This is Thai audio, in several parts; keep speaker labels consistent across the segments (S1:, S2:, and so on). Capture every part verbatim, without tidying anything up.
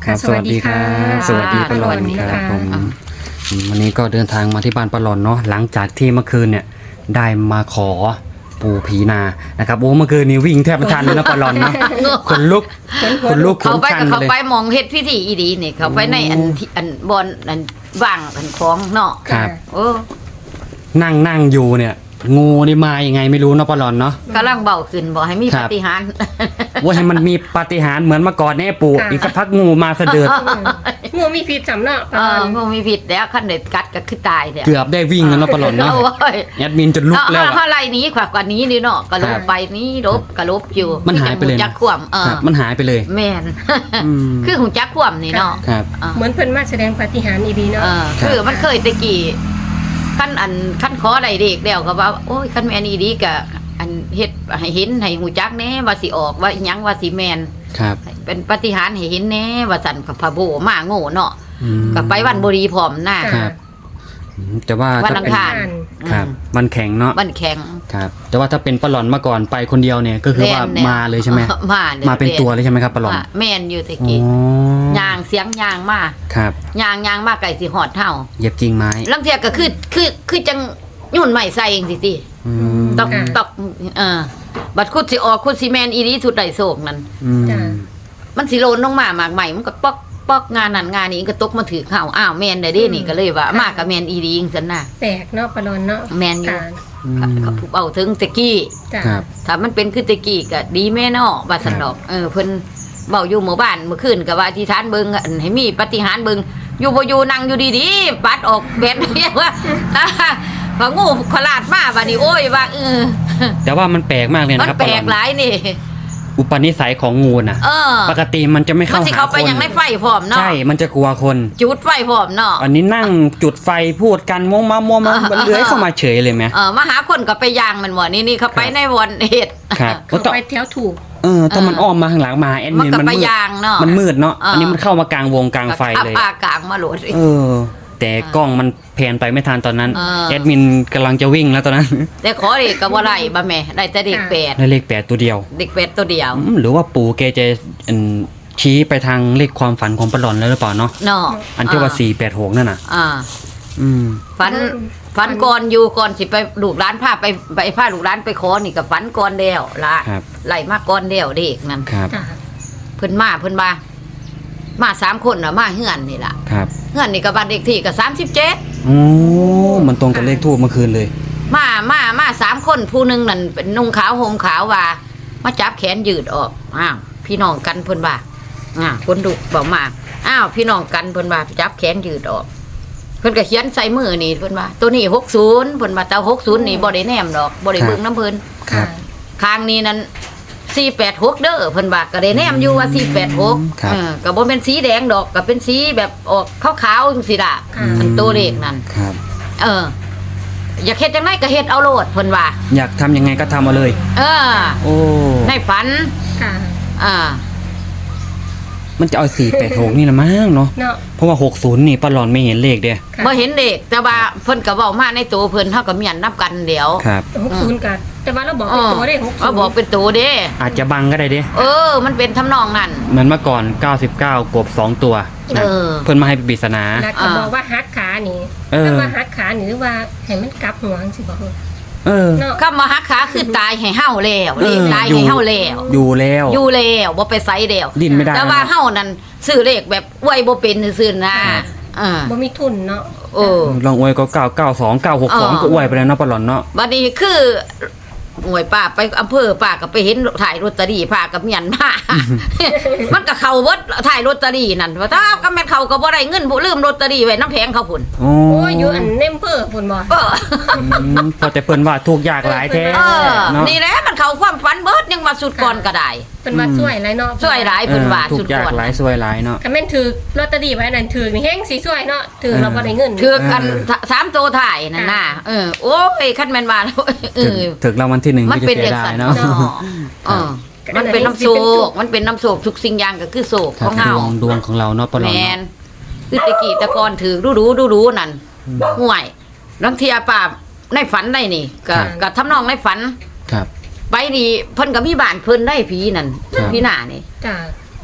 S1: ครับสวัสดีครับสวัสดีป้าหลอนครับผมวันนี้ก็เดินทางมาที่บ้านป้าหลอนเนาะหลังจากที่เมื่อคืนเนี่ยได้มาขอปูผีนานะครับโอ้เมื่อคืนนี้วิ่งแทบไม่ทันเลยนะป้าหลอนเนาะคนลุกคนลุก
S2: เขาไปกับเขา
S1: เลย
S2: ไปมองเฮ็ดพิธีอีดีนี่เขาไปในอันที่อันบอนอันว่างอันของเนาะ
S1: ครับ
S2: โอ้
S1: นั่งนั่งอยู่เนี่ยงูนี่มายังไงไม่รู้เนาะป้าหลอนเนาะ
S2: กำลังเบาขึ้นบอกให้มี
S1: ครั
S2: ปา
S1: บ
S2: ฏิหาริย์
S1: ว่าให้มันมีปาฏิหาริย์เหมือนเมื่อก่อนแน่ปู่อีกสักพักงูมาเสด็จ
S3: งูมีพิษสำเนาะ
S2: เอองูมีผิดแล้วขั้นเด็ดกัดก็คือตายแล้ว
S1: เกือบได้วิ่งแล้วเนาะป้าหลอนเนาะ
S2: โอ้ย
S1: แอดมินจนลุกแล้ว
S2: เอา
S1: อะ
S2: เอาอะไรนี้ขวากกว่านี้นี่เนาะก็ล
S1: ครับ บ
S2: ไปนี้ลบก็ลบอยู่
S1: มันหายไปเลยนะ
S2: จักขวมเออ
S1: ครับมันหายไปเลย
S2: แม่น
S1: อืม
S2: คือหูจักขวมนี่เนาะ
S1: ครับ
S2: เออ
S3: เหมือนเพิ่นมาแสดงปาฏิหาริย์อีดีเนาะ
S2: เออคือมันเคยแตะกี้ขั้นอันขั้นขออะไรเด็กแล้วก็ว่าโอ้ยขั้นแม่นอีดีก็อันเฮ็ดให้เห็นให้หูจักแน่ว่าสิออกว่าอิหยังว่าสิแม่น
S1: ครับ
S2: เป็นปาฏิหาริย์ให้เห็นแน่ว่าสั่นกับพระโบมาโง่เนาะ
S1: อืม
S2: ก็ไปวันบุรีพร้อมหน้า
S1: ครับอืมแต่ว่า
S2: วัน
S1: ถ้า
S2: อัง
S1: เป็น
S2: คาร
S1: ครับมันแข็งเนาะ
S2: วันแข็ง
S1: ครับแต่ว่าถ้าเป็นปลาหลอนมาก่อนไปคนเดียวเนี่ยก็คือว่า
S2: แน่ๆ
S1: มาเลยใช่ไหม
S2: มาเลย
S1: มาเป็นตัวเลยใช่ไหมครับปลาหลอน
S2: ว่าแม่นอยู่ตะ
S1: อ๋
S2: กี้
S1: อย
S2: างเสียงยางมา
S1: ครับ
S2: ยางยางมาไก่สิหอดเท่า
S1: เหยียบกิ่งไม้
S2: ลังเทียก็คือคือคือจังยุ่นใหม่ใส่เองสิสิ
S1: อืม
S2: ตอกตอกเออบัดคุดสิออกคุดสิแมนอีนี้สุดใดโศกนั่น
S1: อืม
S2: มันสิโลนลงมามากใหม่มันก็ปอกปอกงานนั้นงานนี้ก็ตกมาถือข้าวอ้าวแมนได้เด้นี่ก็เลยว่า มากับแมนอีดีจังซั่นน่ะ
S3: แปลกเนาะปลาลอนเนาะ
S2: แมนอยู่
S3: ค่ะ
S1: อืม
S2: เขาผู้เอาถึงตะกี้
S3: จ้ะ
S1: ครับ
S2: ถ้ามันเป็นคือตะกี้ก็ดีแม่เนาะว่าซั่นดอกเออเพิ่นเว้าอยู่หมู่บ้านเมื่อคืนก็ว่าอธิษฐานเบิ่งอันให้มีปาฏิหาริย์เบิ่งอยู่บ่อยู่นั่งอยู่ดีๆปัดออกแบบนี้ว่า พองูขลาดมาบัดนี้โอ้ยว่าเออ
S1: แต่ว่ามันแปลกมากเลย
S2: มัน
S1: นะครับ
S2: แปล
S1: ปลาก หลอน
S2: หลายนี่
S1: อุปนิสัยของงูน่ะ
S2: เออ
S1: ปกติมันจะไม่
S2: มัน
S1: เข้า
S2: สิ
S1: หา
S2: เข้า
S1: ค
S2: ไป
S1: น
S2: อย่างในไฟพร้อมเนาะ
S1: ใช่มันจะกลัวคน
S2: จุดไฟพร้อมเนาะ
S1: อันนี้นั่งจุดไฟพูดกันมวงมามัวมา
S2: อ่า
S1: มันเลื้อยเข้ามาเฉยเลยไหม
S2: เออมาหาคนก็ไปยางมันบ่นี่นี่เขาไป
S1: ครับ
S2: ในวันเฮ็ด
S1: ครับ
S3: เขาไปแถวถูก
S1: เออถ้ามันอ้อมมาข้างหลังมาแอด
S2: มัน
S1: มิน
S2: ก็
S1: มัน
S2: ไป
S1: มืด
S2: ยางเนาะ
S1: มันมืดเนาะ
S2: อ่า
S1: อันนี้มันเข้ามากลางวงกลางไฟเลย
S2: ปากลางมาโหลด
S1: เออ แต่กล้องมันแพนไปไม่ทันตอนนั้น
S2: เออ
S1: แอดมินกำลังจะวิ่งแล้วตอนนั้น
S2: แต่ขอเด็กก็บ่ได้บ่แม่ได้แต่เด็กแปด
S1: ได้เลขแปดตัวเดียว
S2: เด็กแปดตัวเดียว
S1: อืมหรือว่าปู่แกจะอืมชี้ไปทางเลขความฝันของปลาหลอนแล้วหรือเปล่าเนาะ
S2: เนาะ
S1: อันที่ว่าสี่แปดหกนั่นน่ะ
S2: อ่า
S1: อืม
S2: ฝันฝันก่อนอยู่ก่อนสิไปลูกร้านพาไปไปพาลูกร้านไปขอนี่ก็ฝันก่อนแล้วล่ะ
S1: ครับ
S2: ไล่มาก่อนแล้วเด็กนั่น
S1: ครับ
S3: จ้ะ
S2: เพิ่นมาเพิ่นมามาสามคนน่ะมาเฮือนนี่ล่ะ
S1: ครับ
S2: เฮือนนี่ก็บ้านเด็กที่ก็สามสิบเจ็ด
S1: โอ้มันตรงกับเลขทูบเมื่อคืนเลย
S2: มามามาสามคนผู้หนึงนั่นเป็นนุ่งขาวห่มขาวว่ามาจับแขนยืดออกอ้าวพี่น้องกันเพิ่นว่าอ่าคนดุบอกมาอ้าวพี่น้องกันเพิ่นว่าจับแขนยืดออกเพิ่นก็เขียนใส่มือนี่เพิ่นว่าตัวนี้หกสิบเพิ่นว่าแต่หกสิบนี่บ่ได้แนมดอกบ่ได้เบิ่งน้ำเพิ่น
S1: ครับ
S2: ข้างนี้นั้นสี่แปดหกเด้อเพิ่นว่าก็ได้แนมอยู่ว่าสี่แปดหก
S1: ครับ
S2: เออก็บ่เป็นสีแดงดอกก็เป็นสีแบบออกขาวๆจังซี่ล่ะ
S3: ค่ะ
S2: อันตัวเลขนั่น
S1: ครับ
S2: เออ อยากเฮ็ดจังไดก็เฮ็ดเอาโลดเพิ่นว่า
S1: อยากทำยังไงก็ทำเอาเลย
S2: เออ
S1: โอ้
S2: ในฝัน
S3: ค่ะ
S2: อ่า
S1: มันจะเอาสี่แปดหกนี่ละมั้งเนาะ
S3: เนาะ
S1: เพราะว่าหกศูนย์นี่ปลาหลอนไม่เห็นเลขเดีย
S3: ค่ะ
S2: บ่เห็นเด็กแต่ว่าเพิ่นก็เว้ามาในตัวเพิ่นเฮาก็มีอันนับกันเดี๋ยว
S1: ครับ
S3: หกศูนย์กันแต่ว่าเราบอกเป็นตัวได้หกศูนย์
S2: เขาบอกเป็นตัวเด้
S1: อาจจะบังก็ได้เด้
S2: เออ มันเป็นทำนองนั้น
S1: เหมือนเมื่อก่อนเก้าสิบเก้ากบสองตัวนะ
S2: เออ
S1: เพิ่นมาให้ปริศนา
S3: แล้วก็บอกว่าฮักขานี่
S1: เออ
S3: แล้วว่าฮักขานี่หรือว่าให้มันกลับหัวจังสิบอก
S1: เออ
S3: เนาะ
S2: คำว่าฮักขาคือตายให้เฮาแล้ว
S1: เออ
S2: เลขตาย
S1: อยู่
S2: ให้เฮาแล้ว
S1: อยู่แล้ว
S2: อยู่แล้วบ่ไปไสแล้ว
S1: ดิ้นไม่ได้
S2: แต่ว่าเฮานั่นซื้อเลขแบบอวยบ่เป็นซื่อๆนะอ่า
S3: บ่มีทุนเนาะ
S2: โอ้
S1: ลองอวยก็เก้าเก้าสองเก้าหกสอง
S2: เออ
S1: ก็อวยไปแล้วเนาะปลาหลอนเนาะ
S2: บัดนี้คือหน่วยป้าไปอำเภอป้าก็ไปเห็นถ่ายลอตเตอรี่ป้ากับเมียนมา มันก็เข้าเบิดถ่ายลอตเตอรี่นั่นว่าถ้าก็แม่นเขาก็บ่ได้เงินบ่ลืมลอตเตอรี่ไว้น้ำแพงเขาพุ่น
S1: โอ้
S3: โอ้ยอยู่อันเนมเปอร์พุ่นบ่
S2: เออ
S1: อืมพอแต่เพิ่นว่าถูกยากหลายแท้
S2: เออ
S1: เนาะ
S2: นี่แหละมันเข้าความฝันเบิดยังมาสุดก่อนก็ได้
S3: เป็นว่าช่วยอะไรเนาะ
S2: ช่วยหลาย
S1: เอ
S2: เพิ่น
S1: อ
S2: ว่า
S1: ถู
S2: สุ
S1: ก
S2: ด
S1: ยาก
S2: ก่อน
S1: หลายซวยหลายเนาะ
S3: คันแม่นถือลอตเตอรี่ไว้นั่นถือนี่แฮงสิช่วยเนาะถือเราบ่ได้เงิน
S2: คือกัน
S1: เออ
S2: สามตัวถ่ายนั่นน่ะเออโอ้ยคันแม่นว่าเอ
S1: ถึง
S2: อ
S1: ถึงรางวัลที่หนึ่ง
S2: มัน
S1: ก็จะ
S2: เป็น
S1: เสี
S2: เด็
S1: ย
S2: ก
S1: ดา
S2: สั
S1: ย
S2: น
S1: เนาะ
S2: เนาะเออมันเป็นน้ำโศกมันเป็นน้ำโศกทุกสิ่งอย่างก็คือโศก
S1: ค
S2: ข
S1: รับ
S2: อง
S1: ด
S2: เฮาว
S1: งดวงของเราเนาะปลาหล
S2: แม
S1: อน
S2: นคือตะกี้ตะกอนถือรู้รู้รู้รู้นั่นห่วยลังเทียป่าในฝันได้นี่ก็ก็ทำนองในฝัน
S1: ครับ
S2: ไปดีเพิ่นก็มีบ้านเพิ่นได้ผีนั่น
S1: ครับ
S2: พี่หน้านี่
S3: จ้ะ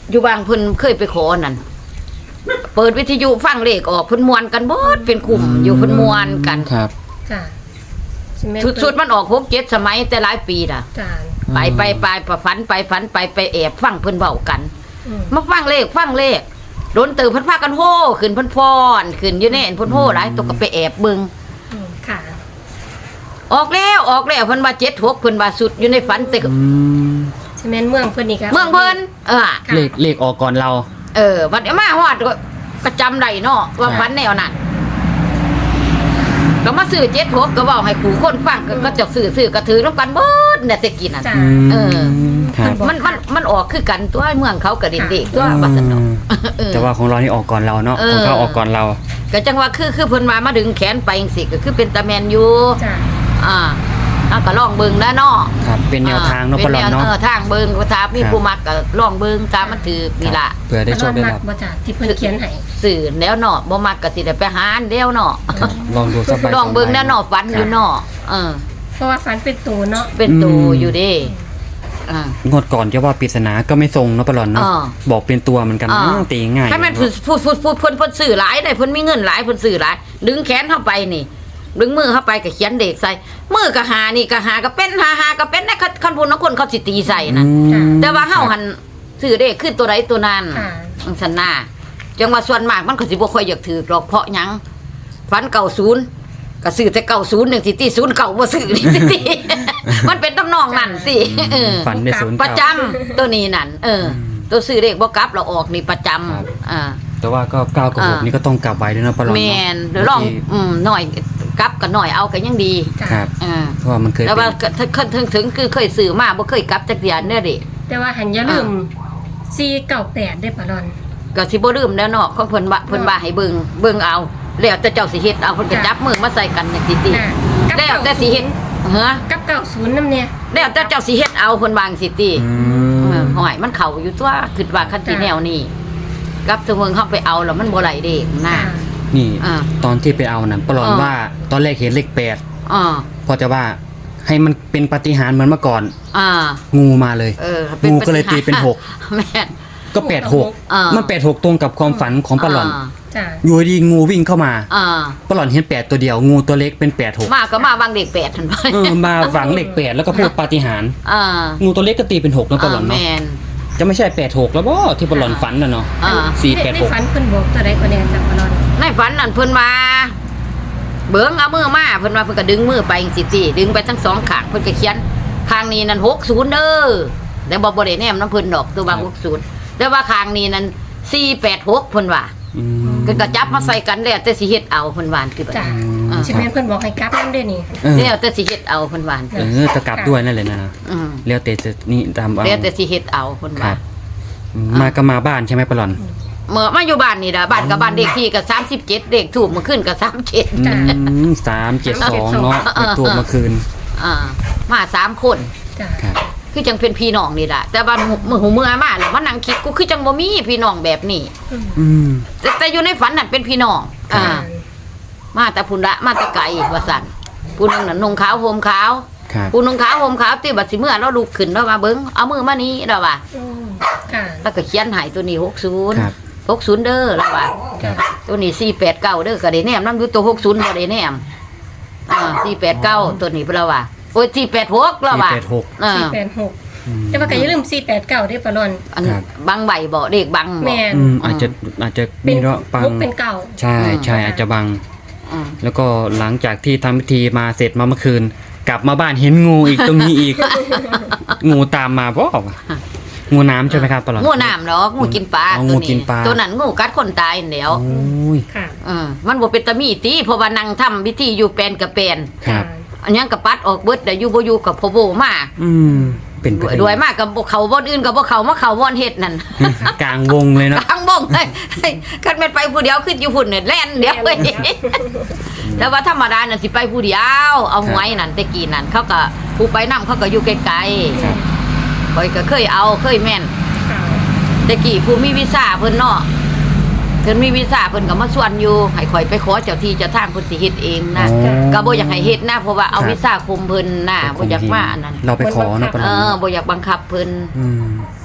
S2: อยู่บางเพิ่นเคยไปขอนั่นเปิดวิทยุฟังเลขออกเพิ่นมวนกันเบิดเป็นกลุ่มอยู่เพิ่นมวนกัน
S1: ครับ
S3: ค่ะสิแม่น
S2: สุดๆมันออกหกเจ็ดสมัยแต่หลายปีน่ะ
S3: จ้า
S2: ไปไปไปไปฝันไปฝันไปไปแอบฟังเพิ่นเว้ากัน
S3: อืม
S2: มาฟังเลขฟังเลขโดนตื่นเพิ่นพากันโห่ขึ้นเพิ่นฟ้อนขึ้นอยู่แน่นเพิ่นโห่หลายตกก็ไปแอบเบิ่ง
S3: อืมค่ะ
S2: ออกแล้วออกแล้วเพิ่นว่าเจ็ดหกเพิ่นว่าสุดอยู่ในฝันแต่ก็
S1: อืม
S3: สิแม่นเมืองเพิ่นนี่ครับ
S2: เมืองเพิ่นเออ
S3: ค่ะ
S1: เลขเลขออกก่อนเรา
S2: เออวันนี้มาฮอดก็ก็จำได้เนาะว่า
S1: ครับ
S2: ฝันแนวนั้นก็มาซื้อเจ็ดหกก็เว้าให้ผู้คนฟังก็ก็จะซื้อซื้อกระถือนำกันเบิดเนี่ยแต่กินน่ะ
S3: จ้า
S1: อืม
S2: เออ
S1: ครับ
S2: มันมันมันออกคือกันตัวเมืองเขาก็เด็กๆตัวว่าซั่นเนาะเออ
S1: แต่ว่าของเรานี่ออกก่อนเราเนาะ
S2: เออ
S1: ของเขาออกก่อนเรา
S2: ก็จังว่าคือคือเพิ่นมามาดึงแขนไปจังซี่ก็คือเป็นตาแมนอยู่
S3: จ้า
S2: อ่าเอาก็ลองเบิ่งนะเนาะ
S1: ครับ เป็นแนวทางเนาะปลอดเนาะ
S2: เออทางเบิ่งก็ถ้ามีผู้มักก็ลองเบิ่งตามมันถือนี่ล่ะ
S1: เผื่อได้โชคได้
S3: มั
S1: ลาบ
S3: บ่จ้าที่เพิ่นเขียนให้
S2: สื่อแล้วเนาะบ่มักก็สิได้ไปหาอันเดียวเนาะ
S1: ลองดูสักใบ
S2: ลองเบิ่งแน่เนาะฝันอยู่เนาะเออ
S3: เพราะว่าฝันเป็นตัวเนาะ
S2: เป็นตูอยู่เด้อ่าง
S1: วดก่อนจะว่าปริศนาก็ไม่ทรงเนาะปลอดเนาะ
S2: อ่า
S1: บอกเป็นตัวเหมือนกัน
S2: อ่า
S1: อ้าวตีง่าย
S2: ถ้าแม่นพูดพูดพูดพูดเพิ่นเพิ่นซื้อหลายได้เพิ่นมีเงินหลายเพิ่นซื้อหลายดึงแขนเข้าไปนี่ ดึงมือเข้าไปก็เขียนเด็กใส่มือก็หานี่ก็หาก็เป็นหาหาก็เป็นได้คันพูนนักคนเขาสิตีใส่นะ
S1: อืม
S2: แต่ว่าเฮาหันซื้อเด็กขึ้นตัวใดตัวนั้น
S3: ค่ะ
S2: อังสันนาจังว่าส่วนมากมันก็สิบ่ค่อยอยากถือหรอกเพราะหยังฝันเก่าศูนย์ก็ซื้อแต่เก่าศูนย์หนึ่งสิตีศูนย์เก่าบ่ซื้อนี่สิตี มันเป็นตำนองนั่นสิเออ
S1: ฝันในศูนย์
S2: ประ
S1: เก่า
S2: จำตัวนี้นั่นเออ ตัวซื้อเลขบ่กลับเราออกนี่ประจำอ่า
S1: แต่ว่าก็เก้ากับหก
S2: อ่านี่
S1: นี่ก็ต้องกลับไว้ด้วยนะปลอด
S2: แม
S1: เนาะ
S2: นเดี๋ยวลองอืมหน่อยกลับกันหน่อยเอากันยังดี
S3: จ้า
S1: ครับ
S2: อ่า
S1: เพราะว่ามันเคย
S2: แล้ว
S1: เป็
S2: ว่าน ถึงถึงถึงคือเคยซื้อมาบ่เคยกลับจักเดือนเด้อดิ
S3: แต่ว่าหันอย่าลืมสี่เก้าแปดได้ปะรอน
S2: ก็สิบ่ลืมแล้วเนาะของเพิ่นว่าเพิ่นว่าให้เบิ่งเบิ่งเอาแล้วแต่เจ้าสิเฮ็ดเอาเพิ่นก็จับมือมาใส่กันจังซี่ติ
S3: อ่ากับ
S2: แล้วแต่สิเฮ็ดเฮ้อ
S3: กับเก้าศูนย์นำเนี่ย
S2: แล้วแต่เจ้าสิเฮ็ดเอาเพิ่นวาจังสิติ
S1: อื
S2: เออ
S1: ม
S2: หอยมันเข้าอยู่ตัวคิดว่าคันสิแนวนี้กับถึงเมืองเฮาไปเอาแล้วมันบ่ไหลเด้นะ
S1: นี่
S2: อ่า
S1: ตอนที่ไปเอานั้นปลอด
S2: อ่า
S1: ว่าตอนแรกเห็นเลขแปด
S2: อ่า
S1: พอจะว่าให้มันเป็นปาฏิหาริย์เหมือนเมื่อก่อน
S2: อ่า
S1: งูมาเลย
S2: เออ
S1: งูก็เลยตีเป็นหก
S2: แม่น
S1: ก็แปดหก
S2: อ่ามั
S1: มันแปดหกตรงกับความฝันของปลอด
S2: า
S3: จ้า
S1: อยู่ดีงูวิ่งเข้ามา
S2: อ่า
S1: ปลอดเห็นแปดตัวเดียว งูตัวเล็กเป็นแปดหก
S2: มาก็มาวางเด็กแปดทันไป
S1: เออมาฝังเลขแปดแล้วก็พูดปาฏิหาริย์
S2: อ่า
S1: งูตัวเล็กก็ตีเป็นหกแล้วปลอด
S2: แม
S1: เนาะ
S2: น
S1: จะไม่ใช่แปดหกแล้วบ่ที่ปลอดฝันน่ะเนาะ
S2: อ่า
S1: สี่แปด
S3: ใน
S1: หก
S3: ฝันเพิ่นบอกตัวใดก็แน่จ้ะปะรอน
S2: ในฝันนั่นเพิ่นมาเบิ่งเอามือมาเพิ่นว่าเพิ่นก็ดึงมือไปจังซี่ติดึงไปทั้งสองข้างเพิ่นก็เขียนข้างนี้นั่นหกสิบเด้อแต่บ่บ่ได้แนมน้ำเพิ่นดอกตัวว่าหกสิบแต่ว่าข้างนี้นั่นสี่แปดหกเพิ่นว่า
S1: อืม
S2: เพิ่นก็จับมาใส่กันแล้วแต่สิเฮ็ดเอาเพิ่นว่าคือแบบ
S3: จ้า
S2: อ่า
S3: สิแม่นเพิ่นบอกให้กลับนำได้นี่
S1: เออ
S2: แล้วแต่สิเฮ็ดเอาเพิ่นว่า
S1: เออจะกลับด้วยนั่นเลยนะ
S2: อืม
S1: แล้วแต่จะนี่ตามเอา
S2: แล้วแต่สิเฮ็ดเอาเพิ่น
S1: ค
S2: ว่า
S1: รับอืมมาก็มาบ้านใช่ไหมปลอด
S2: เมื่อมาอยู่บ้านนี่ล่ะบ้านกับบ้านเลขที่ก็สามสิบเจ็ดเลขถูกมื้อคืนก็สามสิบเจ็ด
S3: จ้ะ
S1: สามเจ็ดสองเนาะไปตัวเมื่อคืน
S2: อ่ามาสามคน
S3: จ้า
S1: ครับ
S2: คือจังเป็นพี่น้องนี่แหละแต่ว่ามือหูเมื่อมาแล้วมานั่งคิดกูคือจังบ่มีพี่น้องแบบนี้
S3: อืม
S1: อืม
S2: แต่แต่อยู่ในฝันนั่นเป็นพี่น้องอ่า มาแต่พุ่นละมาแต่ไกลว่าสั่นผู้หนึงน่ะนุ่งขาวห่มขาว
S1: ครับ
S2: ผู้นุ่งขาวห่มขาวตีบัดสิเมื่อเราลุกขึ้นแล้วมาเบิ่งเอามือมานี้แล้วว่า
S3: อืมค่ะ
S2: แล้วก็เขียนให้ตัวนี้หกสิบ
S1: ครับ
S2: หกสิบเด้อแล้วว่า
S1: ครับ
S2: ตัวนี้สี่แปดเก้าเด้อก็ได้แนมนำอยู่ตัวหกสิบบ่ได้แนมอ่าสี่แปดเก้าตัวนี้เพิ่นว่าโอ้ยสี่แปดหกแล้วว่า
S1: สี่แปดหก
S2: อ่า
S3: สี่แปดหก
S1: อืม
S3: แต่ว่าก็อย่าลืมสี่แปดเก้าได้ปะรอน
S2: อัน
S1: ครับ
S2: บังใบบ่เด็กบังบ่
S3: แม่น
S1: อืมอาจจะอาจจะ
S3: เป็
S1: มี
S3: น
S1: เนาะปัง
S3: หกเป็นเก่า
S1: ใช่ใช่อาจจะบัง
S2: อืม
S1: แล้วก็หลังจากที่ทำพิธีมาเสร็จมาเมื่อคืน กลับมาบ้านเห็นงูอีกตรงนี้อีก งูตามมาบ่าวะงูน้ำใช่ไหมครับปลอด
S2: งูน้ำเนาะงูกินปลา
S1: อ๋อ
S2: ตัว
S1: งูกินปลา
S2: ตัวนั้นงูกัดคนตายนั่นแหล้ว
S1: โอ้ย
S3: ค่ะ
S2: อืมมันบ่เป็นตะมีติเพราะว่านั่งทำพิธีอยู่แปลนกับแปลน
S1: ครับ
S2: อันยังกับปัดออกเบิดแต่อยู่บ่อยู่กับพ่อโบมา
S1: อืมเป็นไป
S2: รวยมากกับบ่เขาบ่อนอื่นกับบ่เขามาเขาบ่อนเฮ็ดนั่น
S1: กลางวงเลยเนาะ
S2: ทั้งบ่งเลยคันแม่นไปผู้เดียวขึ้นอยู่พุ่นเนี่ยแล่นเดียวเลยแต่ว่าธรรมดาน่ะสิไปผู้เดียวเอาหวยนั่นแต่กี้นั่นเขาก็ผู้ไปนํเขาก็อยู่ไกล
S1: ครับ
S2: ๆข่อยก็เคยเอาเคยแม่น
S3: ค่ะ
S2: แต่กี้ผู้มีวีซ่าเพิ่นเนาะเพิ่นมีวีซ่าเพิ่นก็มาชวนอยู่ให้ข่อยไปขอเจ้าที่เจ้าทางเพิ่นสิเฮ็ดเองนะ
S1: อ๋อ
S2: ก็บ่อยากให้เฮ็ดนะเพราะว่าเอา
S1: ครับ
S2: วีซ่าคุมเพิ่นน่ะบ่อยากมาอันนั้น
S1: เราไปขอเนาะปล
S2: เอ
S1: อด
S2: อบ่อยากบังคับเพิ่น
S1: อืม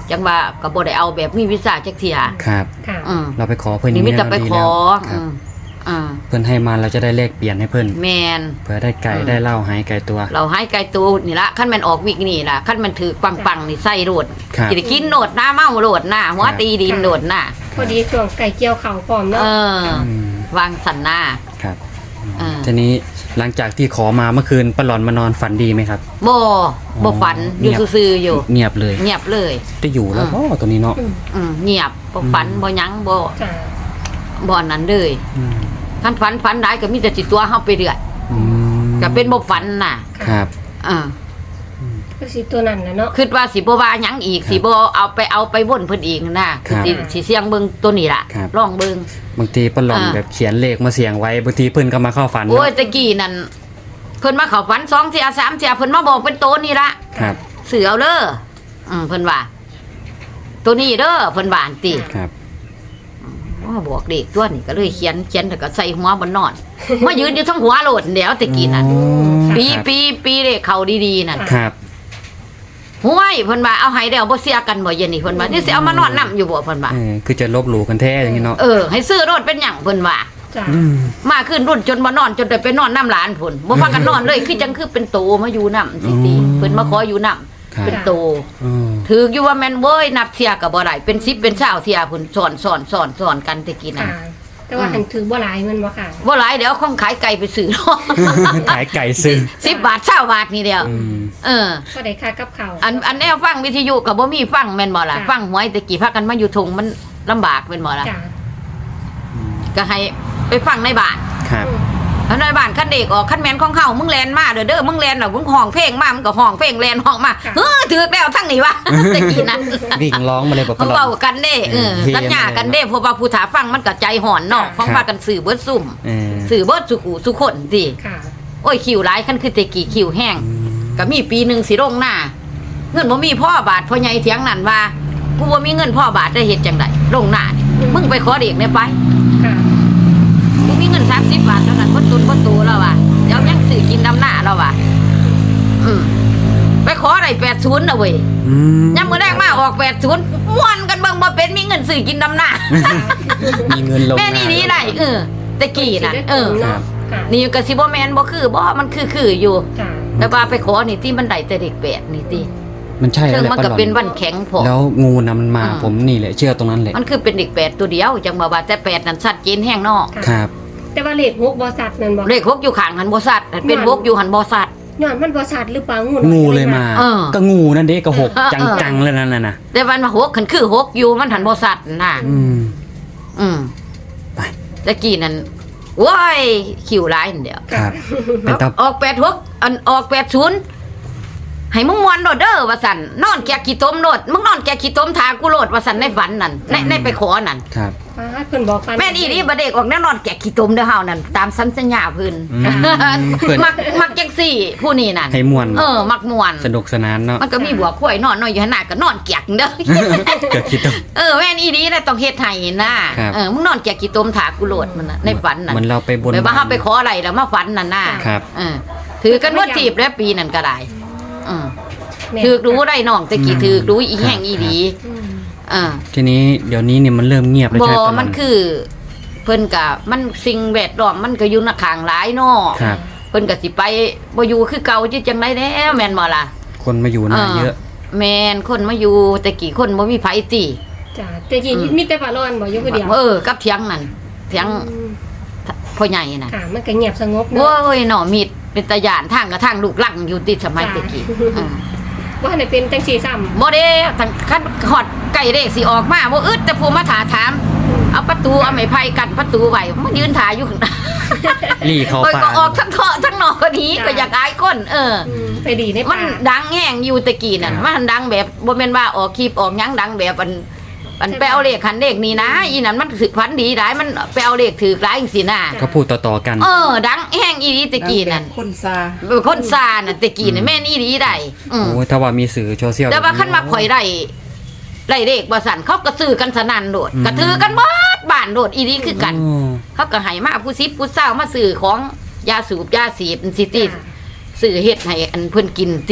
S2: จังว่าก็บ่ได้เอาแบบมีวีซ่าจักเที่ย
S1: ครับ
S3: ค่ะ
S2: อืม
S1: เราไปขอเพิ่น
S2: นี่มีแต่
S1: เรา
S2: ไป
S1: ดี
S2: ขอ
S1: แล้วค
S2: อื
S1: รับ
S2: มอ่า
S1: เพิ่นให้มาเราจะได้เลขเปลี่ยนให้เพิ่น
S2: แม่น
S1: เผื่อได้ไก่
S2: อืม
S1: ได้เหล้าหายไก่ตัว
S2: เราให้ไกลตูนี่ละขั้นมันออกวิกนี่ล่ะขั้นมันถือปังๆนี่ใส่โรด
S1: ครับ
S2: สิได้กินโนดหน้าเมาโรดหน้าหัวตีดินโดดหน้า
S3: พอดีช่วงไก่เกี่ยวเข่าพร้อม
S2: เอ
S3: เนาะ
S2: อ
S1: อืม
S2: วางสันหน้า
S1: ครับ
S2: เออ
S1: ทีนี้หลังจากที่ขอมาเมื่อคืนปาหลอนมานอนฝันดีไหมครับ
S2: บ่บ่ฝันอยู่
S1: เงียบ
S2: ซื่อๆอยู่
S1: เงียบเลย
S2: เงียบเลย
S1: ได้อยู่แล้ว
S2: อืม
S1: พ่อตัวนี้เนาะ
S3: อืม
S2: อืมเงียบบ่ฝัน
S1: อืม
S2: บ่หยังบ่
S3: จ้า
S2: บ่นั้นเลย
S1: อืม
S2: คันฝันฝันได้ก็มีแต่สิตัวเฮาไปเรื่อย
S1: อืม
S2: ก็เป็นบ่ฝันน่ะ
S1: ครับ
S2: เออ
S3: ก็สิตัวนั้นนะเนาะ
S2: คิดว่าสิบ่ว่าหยังอีก
S1: ครับ
S2: สิบ่เอาไปเอาไปวนเพิ่นอีกนะครับ สิสิเสียงเบิ่งตัวนี้ล่ะ
S1: ครับ
S2: ลองเบิ่ง
S1: บางทีปาหลอน
S2: อ่า
S1: แบบเขียนเลขมาเสียงไว้บางทีเพิ่นก็มาเข้าฝัน
S2: โอ้ย
S1: เนาะ
S2: ตะกี้นั่นเพิ่นมาเข้าฝันสองเที่ยสามเที่ยเพิ่นมาบอกเป็นตัวนี่ละ
S1: ครับ
S2: เสือเอาเด้ออืมเพิ่นว่า ตัวนี้เด้อเพิ่นว่าอันติ
S1: ครับ
S2: ว่าบอกเด็กตัวนี้ก็เลยเขียนเขียนแล้วก็ใส่หัวบนนอน มายืนอยู่ทั้งหัวโหลดเดี๋ยวตะกี้นั่น
S1: อ๋อ
S2: ปี
S1: ครับ
S2: ปีปีเด็กเขาดีๆนั่น
S1: ครับ
S2: ห้วยเพิ่นว่าเอาให้แล้วบ่เสียกันบ่เย็นนี่เพิ่นว่านี่สิเอามานอนนํอยู่บ่เพิ่นว่า
S1: เออคือจะลบหลู่กันแท้อย่างนี้เนาะ
S2: เออให้ซื้อรถเป็นหยังเพิ่นว่า
S3: จ้า
S1: อืม
S2: มาขึ้นรุ่นจนบ่นอนจนได้ไปนอนน้ำหลานพุ่นบ่พากันนอนเลยคือจังคือเป็นโตมาอยู่นํสิติ
S1: อืม
S2: เพิ่นมาขออยู่นํ
S1: ครับ
S2: เป็นโต
S1: อืม
S2: ถืออยู่ว่าแม่นเว้ยนับเทียก็บ่ได้เป็นสิบเป็นเช้าเทียพุ่นสอนสอนสอนสอนกันตะกี้น่ะ
S3: ค่ะ แต่ว่าหันถือบ่หลายมันบ่ค่ะ
S2: บ่หลายเดี๋ยวของขายไก่ไปซื้อ เนาะ
S1: ขายไก่ซื้อ
S2: สิบบาทเช้าบาทนี่เดียว
S1: อืม
S2: เออ
S3: ก็ได้ค่ากับเขาว
S2: อันอันแนวฟังวิทยุก็บ่มีฟังแม่นบ่ล่ะ
S3: จ้ะ
S2: ฟังหวยตะกี้พากันมาอยู่ทงมันลำบากแม่นบ่ล่ะ
S3: จ้า
S2: ก็ให้ไปฟังในบ้าน
S1: ครับ
S2: แล้วในบ้านคันเด็กออกคันแม่นของเฮามึงแลนมาเด้อเด้อมึงแลนแล้วมึงห้องเพลงมามึงก็ห้องเพลงแลนห้องมาเฮ้อถือแล้วทั้งนี้วะ ตะกี้นั้น
S1: วิ่งร้องมาเลยบอกป
S2: เขา
S1: ลอ
S2: เว้า
S1: ด
S2: กันเด้เออ
S1: เออ
S2: สัญญากันเด้เพราะว่าผู้ถาฟังมันก็ใจห่อนเนาะของพากันสื่อเบิดซุ่ม
S1: เออ
S2: สื่อเบิดสุกูสุคนสิ
S3: ค่ะ
S2: โอ้ยคิวหลายคันคือแตะกี้คิวแห้ง
S1: อืม
S2: ก็มีปีหนึงสิลงหน้า เงินบ่มีพ่อบาทพ่อใหญ่เถียงนั่นว่ากูบ่มีเงินพ่อบาทได้เฮ็ดจังไดลงหน้านี่มึงไปขอเด็กเนี่ยไป
S3: ค่ะ
S2: กูมีเงินสามสิบบาทเท่านั้นบ่ตุนบ่ตูแล้วว่ะเดี๋ยวยังซื้อกินดำหน้าแล้วว่ะอืมไปขอได้แปดสิบน่ะเว้ย
S1: อืม
S2: ยามมื้อแรกมาออกแปดสิบม่วนกันเบิ่งบ่เป็นมีเงินซื้อกินดำหน้า
S1: มีเงินลง
S2: แม่นี่นี่ได้เออตะกี้น่ะเออ
S1: ครับ
S3: ค่ะ
S2: นี่ก็สิบ่แม่นบ่คือบ่มันคือคืออยู่
S3: จ้า
S2: แต่ว่าไปขอนี่ที่มันได้แต่เด็กแปดนี่ติ
S1: มันใช่
S2: ซึ่
S1: แล้ว
S2: ง
S1: แหละ
S2: มัน
S1: ปลา
S2: ก็
S1: หลอน
S2: เป็นวันแข็งพอ
S1: แล้วงูนะมันมา
S2: อืม
S1: ผมนี่แหละเชื่อตรงนั้นแหละ
S2: มันคือเป็นเด็กแปดตัวเดียวจังบ่ว่าแต่แปดนั่นสัตว์เจนแห้งนอก
S1: ครับ
S3: แต่ว่าเลขหกบ่สัตว์นั่นบ่
S2: เลขหกอยู่ข้างหันบ่สัตว์เป็นหกอยู่หันบ่สัตว์
S3: ย้อนมันบ่สัตว์หรือเปล่างู
S1: งูเลยมา
S2: เออ
S1: ก็งูนั่นเด็กก็หก
S2: เออ
S1: จังๆเลยนั่นน่ะนะ
S2: แต่วันมาหกขันคือหกอยู่มันหันบ่สัตว์น่ะ
S1: อืม
S2: อืม
S1: ไป
S2: ตะกี้นั่นโว้ยคิวหลายนั่นเดียว
S1: ครับ เป็นตา
S2: ออกแปดหกอันออกแปดศูนย์ให้มึงมวนโดดเด้อว่าสั่นนอนแกะขี้ต้มโดดมึงนอนแกะขี้ต้มทากูโลดว่าสั่นในฝันนั่นในในไปขอนั่น
S1: ครับ
S3: ป้าดเพิ่นบอกปาน
S2: แม่นอีนี่บ่เด็กออกแน่นอนแกะขี้ต้มเด้อเฮานั่นตามสัญญาเพิ่น
S1: อืมเพิ่น
S2: มักมักจังซี่ ผู้นี้นั่น
S1: ให้ม่วน
S2: เออ มักม่วน
S1: สนุกสนานเนาะ
S2: มันก็มีบัวข้อยนอนนอนอยู่หันหน้าก็นอนเกียกเด้อ
S1: เกิดคิดต้อง
S2: เออแม่นอีนี่น่ะต้องเฮ็ดให้นะครับ เออมึงนอนเกียกขี้ต้มถากูโลดมันน่ะในฝันน่ะ
S1: เหมือนเราไปบน
S2: ไปว่าเฮาไปขออะไรแล้วมาฝันนั่นน่ะ
S1: ครับ
S2: เออถือกันว่าจีบแล้วปีนั่นก็ได้อืม
S3: แม่
S2: ถือรู้ได้น้องตะกี้ถือรู้อีแห้งอีดี
S3: อืม
S2: เออ
S1: ทีนี้เดี๋ยวนี้เนี่ยมันเริ่มเงียบแล้ว
S2: บ่
S1: ใช่ไหมปลาหลอ
S2: มันคือ เพิ่นก็มันสิ่งแวดล้อมมันก็อยู่ในข้างหลายเนาะ
S1: ครับ
S2: เพิ่นก็สิไปบ่อยู่คือเก่าจิจังได๋แน่แม่นบ่ล่ะ
S1: คนมาอยู่หน้าเยอะ
S2: แม่นคนมาอยู่แต่กี่คนบ่มีไผติ
S3: จ้าแต่กี้
S2: อืม
S3: มีแต่ปลาร้อนบ่อยู่ผู้เดียว
S2: เออกับเถียงนั่นเถียง
S3: อืม
S2: พ่อใหญ่น่ะ
S3: ค่ะมันก็เงียบสงบ
S2: โอ้
S3: เนาะ
S2: ยหน่อมีดเป็นตาย่านทางกับทางลูกหลังอยู่ติดสมัยตะกี้อืม
S3: ว่าให้เป็นจังซี่ซ้ำ
S2: บ่ได้ทั้งคันฮอดไก่เลขสิออกมาบ่อึดแต่ผู้มาถาถาม เอาประตูเอาไม้ไผ่กั้นประตูไว้มันยืนถ่ายอยู่ข้างหน้า
S1: ลี่เข้า
S2: โอ้ย
S1: ป่า
S2: ก็ออกทั้งเถาะทั้งนอกก็หนีก็อยากอายคนเออ
S3: อืมไปดีใน
S2: มั
S3: ป่า
S2: นดังแห้งอยู่ตะกี้นั่นมันดังแบบบ่แม่นว่าออกคลิปออกหยังดังแบบอันอันไปเอาเลขคันเลขนี้นะอีนั่นมันสึกพันดีหลายมันไปเอาเลขถือหลายจังซี่นะ
S1: เขาพูดต่อๆกัน
S2: เออ ดังแห้งอีดีตะกี้นั่น
S4: คนซา
S2: คนซาน่ะตะกี้น่ะแม่นอีดีได้อืม
S1: โอ้ยถ้าว่ามีสื่อโซเชียล
S2: แต่ว่าคันมาข่อยได้ได้เลขบ่สั่นเขาก็ซื้อกันสนั่นโดดก็ถือกันเบิดบ้านโดดอีดีคือกัน
S1: อ๋อ
S2: เขาก็ให้มาผู้ซิบผู้เศร้ามาซื้อของยาสูบยาสีดสิติซื้อเฮ็ดให้อันเพิ่นกินติ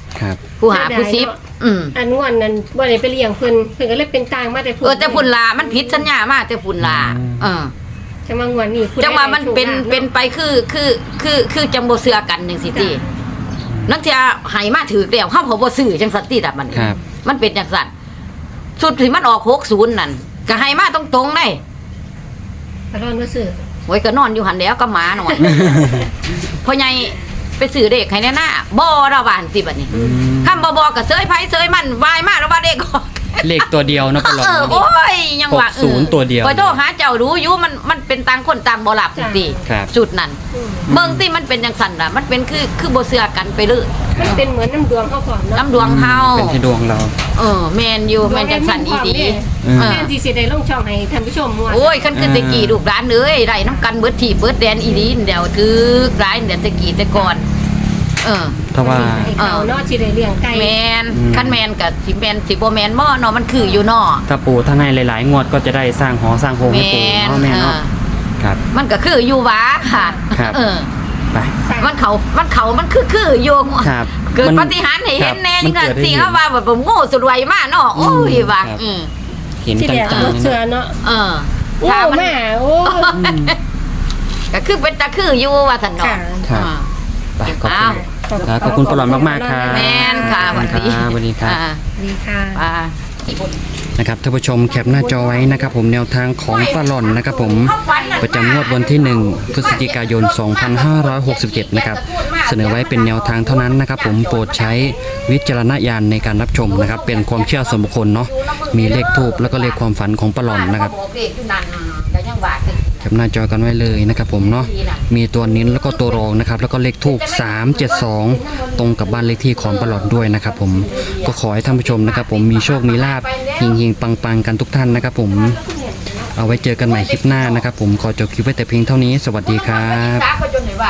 S1: ครับ
S2: ผู้หาผู้ซิบอืม
S3: อันงอนนั้นบ่ได้ไปเลี้ยงเพิ่นเพิ่นก็เลยเป็นต่างมาแต่พุ่น
S2: เออแต่พุ่นลามันผิดสัญญามาแต่พุ่นลาเออ
S3: จังว่างวนนี้
S2: จังว่ามันเป็นเป็นไปคือคือคือคือจังบ่เชื่อกันจังซี่ตินักเที่ยให้มาถือแล้วเฮาบ่บ่ซื้อจังซั่นติล่ะมัน
S1: ครับ
S2: มันเป็นจังซั่นสุดที่มันออกหกสิบนั่นก็ให้มาตรงๆได้
S3: ปลอนบ่ซื้อ
S2: โอ้ยก็นอนอยู่หันแล้วก็หมาหน่อย พ่อใหญ่ไปซื้อเด็กให้แน่หน้าบ่ระบานสิบัดนี้
S1: อืม
S2: คำบ่บอกก็เซยไผเซยมันวายมาแล้วว่าเด็กออก
S1: เลขตัวเดียวนะปลอด
S2: เออ
S1: เนาะ
S2: โอ้ยยังว่า
S1: หกศูนย์ตัวเดียว
S2: พอโทรหาเจ้ารู้อยู่มันมันเป็นต่างคนต่างบ่หลับจริง
S1: ครับ
S2: ๆจุดนั้นเบิ่งที่มันเป็นจังซั่นน่ะมันเป็นคือคือบ่เชื่อกันไปเลย
S3: มันเป็นเหมือนน้ำดวงเฮาพร้อมเนาะ
S2: น้ำดวงเฮา
S1: เป็นที่ดวงเรา
S2: เออแม่นอยู่แม่นจังซั่นอีดี
S1: อืม
S2: เออ
S3: แม่นสิสิได้ลงช่องให้ท่านผู้ชมม่วน
S2: โอ้ยคันคือแตะกี้ลูกหลานเอ้ยได้น้ำกันเบิดที่เบิดแดนอีดีนเดี๋ยวถึกหลายเดี๋ยวแตะกี้แต่ก่อนเออ
S1: ถ้าว่า
S3: ให้เขาเนาะสิได้เลี้ยงไก่
S2: แมน
S1: อืม
S2: คันแมนกับสิแมนสิบ่แมนบ่เนาะมันคืออยู่เนาะ
S1: ถ้าปู่ท่านให้หลายๆ งวดก็จะได้สร้างหอสร้างโฮม
S2: แม
S1: ให้ปู่
S2: น
S1: เนาะแม่
S2: เอ
S1: เนาะ
S2: อ
S1: ครับ
S2: มันก็คืออยู่หวาค่ะ
S1: ครับ
S2: เออ
S1: ไป
S2: มันเขามันเขามันคือคืออยู่
S1: ครับ
S2: เกิด
S1: มัน
S2: ปาฏิหารย์ให้เห็นแน่
S1: ครับ
S2: นี่ก็
S1: มันเกิดให้
S2: สิ
S1: เห็น
S2: เขาว่าแบบโง่สุดไวมากเนาะโอ้ยว่า
S1: ครับ
S2: อืม
S1: เห็น
S3: ที่
S1: จั
S3: แรก
S1: ง
S3: รถ
S1: ๆ
S3: เสื
S1: นะ
S3: อเนาะ
S2: เออ
S3: โอ้
S2: ถ้ามัน
S3: แม่โอ้
S1: อืม
S2: ก็คือเป็นตาคืออยู่ว่าซั่นเนาะ
S3: ค่ะ
S1: ครับ
S2: อ่า
S1: ไปขอบ
S2: อ้าว
S1: คุณครับขอบคุณปลอดมากๆครับ
S2: แม่นค่ะสวัสดี
S1: ครับสวัสดีครับ
S2: อ่า
S3: ดีค่ะ
S2: อ่า
S1: นะครับท่านผู้ชมแคปหน้าจอไว้นะครับผมแนวทางของปลาหล่อนนะครับผมประจำงวดวันที่หนึ่งพฤศจิกายน สองพันห้าร้อยหกสิบเจ็ด นะครับเสนอไว้เป็นแนวทางเท่านั้นนะครับผมโปรดใช้วิจารณญาณในการรับชมนะครับเป็นความเชื่อส่วนบุคคลเนาะมีเลขทูบแล้วก็เลขความฝันของปลาหล่อนนะครับ
S2: บอกเลขอยู่นั่นก็ยังว่าคือ
S1: แคปหน้าจอกันไว้เลยนะครับผมเนาะมีตัวนิ้นแล้วก็ตัวรองนะครับแล้วก็เลขทูบสามเจ็ดสองตรงกับบ้านเลขที่ของปลาหล่อนด้วยนะครับผมก็ขอให้ท่านผู้ชมนะครับผมมีโชคมีลาภเฮงๆปังๆกันทุกท่านนะครับผมเอาไว้เจอกันใหม่คลิปหน้านะครับผมขอจบคลิปไว้แต่เพียงเท่านี้สวัสดีครับ
S2: สาก็จนได้ว่า